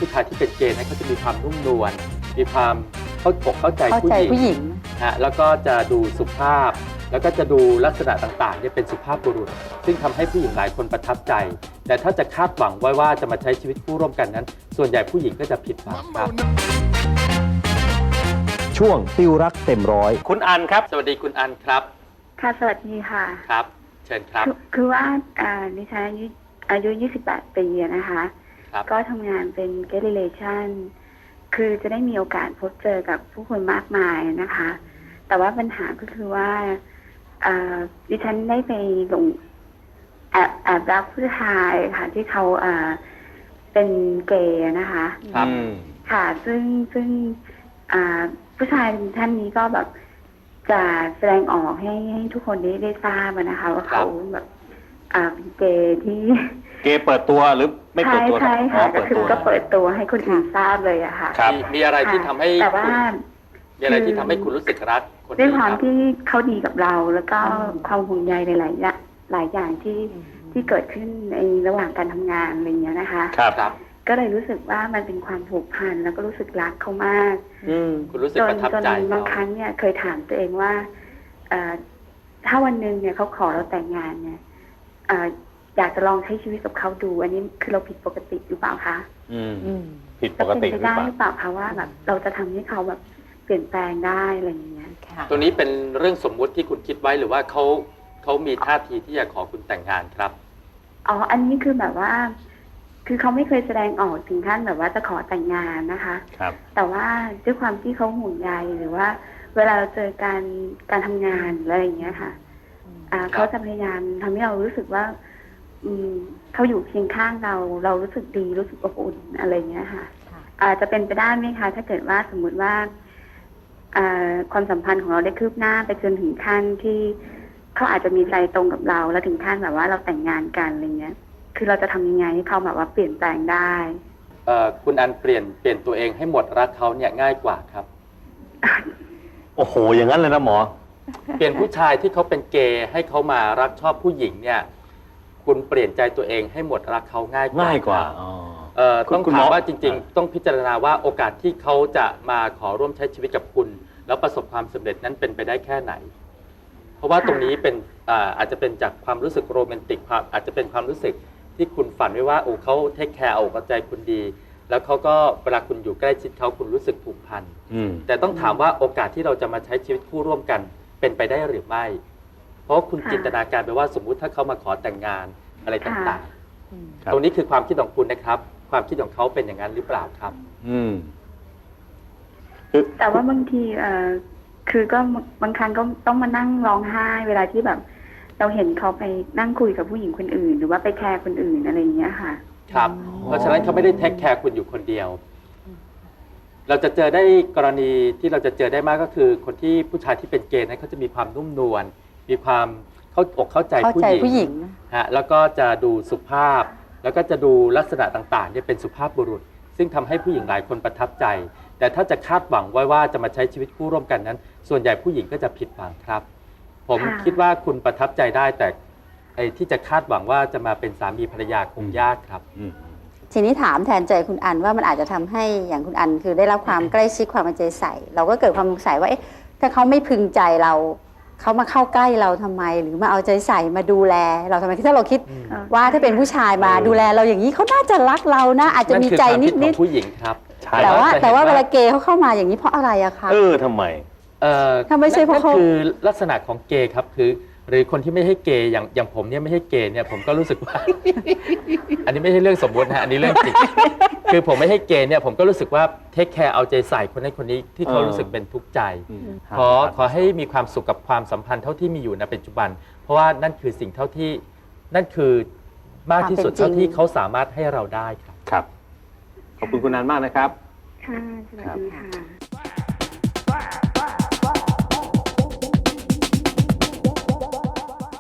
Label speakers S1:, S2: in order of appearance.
S1: ผู้ชายที่เป็นเกย์นั้นเขาจะมีความนุ่มนวลมีความเข้าใจผู้หญิงฮะแล้วก็จะดูสุภาพแล้วก็จะดูลักษณะต่างๆเนี่ยเป็นสุภาพบุรุษซึ่งทำให้ผู้หญิงหลายคนประทับใจแต่ถ้าจะคาดหวังไว้ว่าจะมาใช้ชีวิตคู่ร่วมกันนั้น ส่วนใหญ่ผู้หญิงก็จะผิดหวังครับ
S2: ช่วงติวรักเต็มร้อย
S1: คุณอันครับสวัสดีคุณอันครับ
S3: ค่ะสวัสดีค่ะ
S1: ครับเชิญครับ
S3: คือว่าดิฉันอายุ28 ปีนะคะก็ทำงานเป็น Guest Relation คือจะได้มีโอกาสพบเจอกับผู้คนมากมายนะคะแต่ว่าปัญหาก็คือว่าดิฉันได้ไปหลงแอบรักผู้ชายค่ะที่เขาเป็นเกย์นะคะ
S1: ครับ
S3: ค่ะซึ่งผู้ชายท่านนี้ก็แบบจะแสดงออกให้ทุกคนได้ทราบนะคะว่าเขาแบบเป็นเกย์ที่
S2: เกย์เปิดตัวหรือไม่เปิดตัว
S3: ใช่ค่ะก็คือก็เปิดตัวให้คนอื่นทราบเลยอะค่ะ
S1: มีอะไรที่ทำให้
S3: แต่ว่า
S1: มีอะไรที่ทำให้คุณรู้สึกรักคนนี้
S3: ด้วยความที่เขาดีกับเราแล้วก็ความห่วงใยในหลายอย่างที่เกิดขึ้นในระหว่างการทำงานอะไรเงี้ยนะคะ
S1: ครับ
S3: ก็เลยรู้สึกว่ามันเป็นความผูกพันแล้วก็รู้สึกรักเขามาก
S1: คุณรู้สึกประทับใจ
S3: บางครั้งเนี่ยเคยถามตัวเองว่าถ้าวันหนึ่งเนี่ยเขาขอเราแต่งงานเนี่ยอยากจะลองใช้ชีวิตกับเขาดูอันนี้คือเราผิดปกติหรือเปล่าคะ
S2: ผิดปกติ
S3: หรือเปล่าหรือเปล่าคะว่าแบบเราจะทำให้เขาแบบเปลี่ยนแปลงได้อะไรอย่างเงี้ย
S1: ตัวนี้เป็นเรื่องสมมุติที่คุณคิดไว้หรือว่าเขามีท่าทีที่จะขอคุณแต่งงานครับ
S3: อันนี้คือแบบว่าคือเขาไม่เคยแสดงออกถึงขั้นแบบว่าจะขอแต่งงานนะคะ
S2: ครับ
S3: แต่ว่าด้วยความที่เขาห่วงใยหรือว่าเวลาเราเจอการทำงานอะไรอย่างเงี้ยค่ะเขาจะพยายามทำให้เรารู้สึกว่าเขาอยู่เคียงข้างเรารู้สึกดีรู้สึกอบอุ่นอะไรอย่างเงี้ยค่ะจะเป็นไปได้ไหมคะถ้าเกิดว่าสมมุติว่าความสัมพันธ์ของเราได้คืบหน้าไปจนถึงขั้นที่เขาอาจจะมีใจตรงกับเราแล้วถึงขั้นแบบว่าเราแต่งงานกันอะไรเงี้ยคือเราจะทำยังไงให้เขาแบบว่าเปลี่ยนแปลงได้
S1: คุณอันเปลี่ยนตัวเองให้หมดรักเขาเนี่ยง่ายกว่าครับ
S2: โอ้โหอย่างนั้นเลยนะหมอ
S1: เปลี่ยนผู้ชายที่เขาเป็นเกย์ให้เขามารักชอบผู้หญิงเนี่ยคุณเปลี่ยนใจตัวเองให้หมดรักเขาง่ายกว่าต้องถามว่าจริงๆต้องพิจารณาว่าโอกาสที่เขาจะมาขอร่วมใช้ชีวิตกับคุณแล้วประสบความสำเร็จนั้นเป็นไปได้แค่ไหนเพราะว่าตรงนี้เป็นอาจจะเป็นจากความรู้สึกโรแมนติกอาจจะเป็นความรู้สึกที่คุณฝันไว้ว่าเขาเทคแคร์เอาใจคุณดีแล้วเขาก็เวลาคุณอยู่ใกล้ชิดเขาคุณรู้สึกผูกพันแต่ต้องถามว่าโอกาสที่เราจะมาใช้ชีวิตคู่ร่วมกันเป็นไปได้หรือไม่เพราะคุณจินตนาการไปว่าสมมุติถ้าเขามาขอแต่งงานอะไรต่างๆตรงนี้คือความคิดของคุณนะครับความคิดของเขาเป็นอย่างนั้นหรือเปล่าครับ
S3: แต่ว่าบางทีคือก็บางครั้งก็ต้องมานั่งร้องไห้เวลาที่แบบเราเห็นเขาไปนั่งคุยกับผู้หญิงคนอื่นหรือว่าไปแคร์คนอื่นอะไรอย่างเงี้ยค่ะ
S1: ครับเพราะฉะนั้นเขาไม่ได้เทคแคร์คุณอยู่คนเดียวเราจะเจอได้กรณีที่เราจะเจอได้มากก็คือคนที่ผู้ชายที่เป็นเกย์นั้นเขาจะมีความนุ่มนวลมีความเข้าใจผู้หญิงฮะแล้วก็จะดูสุภาพแล้วก็จะดูลักษณะต่างๆเนี่ยเป็นสุภาพบุรุษซึ่งทำให้ผู้หญิงหลายคนประทับใจแต่ถ้าจะคาดหวังไว้ว่าจะมาใช้ชีวิตคู่ร่วมกันนั้นส่วนใหญ่ผู้หญิงก็จะผิดหวังครับผมคิดว่าคุณประทับใจได้แต่ที่จะคาดหวังว่าจะมาเป็นสามีภรรยาคงยากครับ
S4: ทีนี้ถามแทนใจคุณอันว่ามันอาจจะทำให้อย่างคุณอันคือได้รับความใกล้ชิดความเอาใจใส่เราก็เกิดความสงสัยว่าถ้าเขาไม่พึงใจเราเขามาเข้าใกล้เราทำไมหรือมาเอาใจใส่มาดูแลเราทำไมถ้าเราคิดว่าถ้าเป็นผู้ชายมาดูแลเราอย่างนี้เขาน่าจะรักเรานะอาจจะมีใจนิด
S1: ๆผู้หญิงครับ
S4: แต่ว่าเวลาเกย์เขาเข้ามาอย่างนี้เพราะอะไรอะคะ
S2: ทำไม
S4: ถ้าไม่ใช่เพราะเขา
S1: คือลักษณะของเกย์ครับคือหรือคนที่ไม่ให้เกย์อย่างผมเนี่ยไม่ให้เกย์เนี่ยผมก็รู้สึกว่า อันนี้ไม่ใช่เรื่องสมมตินะอันนี้เรื่องจริง คือผมไม่ให้เกย์เนี่ยผมก็รู้สึกว่าเทคแคร์เอาใจใส่คนนั้นคนนี้ที่เขารู้สึกเป็นทุกข์ใจขอให้มีความสุขกับความสัมพันธ์เท่าที่มีอยู่ในปัจจุบันเพราะว่านั่นคือสิ่งเท่าที่นั่นคือมากที่สุดเท่าที่เขาสามารถให้เราได้ครับ
S2: ขอบคุณคุณนันมากนะครับ
S3: ค่ะสวัสดีค่ะ